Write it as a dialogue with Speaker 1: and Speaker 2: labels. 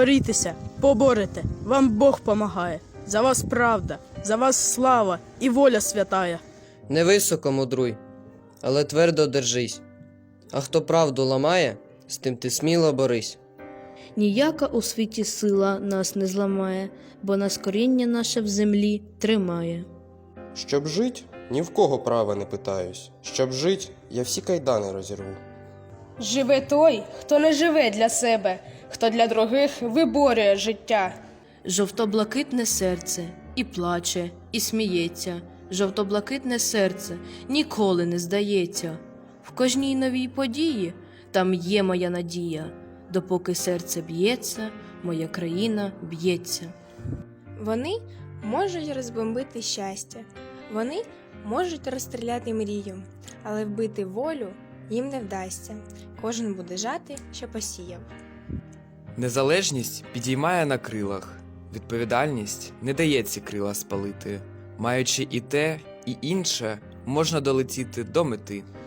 Speaker 1: борітеся, поборете, вам Бог помагає. За вас правда, за вас слава і воля святая.
Speaker 2: Не високо мудруй, але твердо держись. А хто правду ламає, з тим ти сміло борись.
Speaker 3: Ніяка у світі сила нас не зламає, бо нас коріння наше в землі тримає.
Speaker 4: Щоб жить, ні в кого права не питаюсь. Щоб жить, я всі кайдани розірву.
Speaker 5: Живе той, хто не живе для себе, хто для других виборює життя.
Speaker 3: Жовто-блакитне серце і плаче, і сміється. Жовто-блакитне серце ніколи не здається. В кожній новій події там є моя надія. Допоки серце б'ється, моя країна б'ється.
Speaker 6: Вони можуть розбомбити щастя, вони можуть розстріляти мрію, але вбити волю їм не вдасться. Кожен буде жати, що посіяв.
Speaker 7: Незалежність підіймає на крилах, відповідальність не дає ці крила спалити. Маючи і те, і інше, можна долетіти до мети.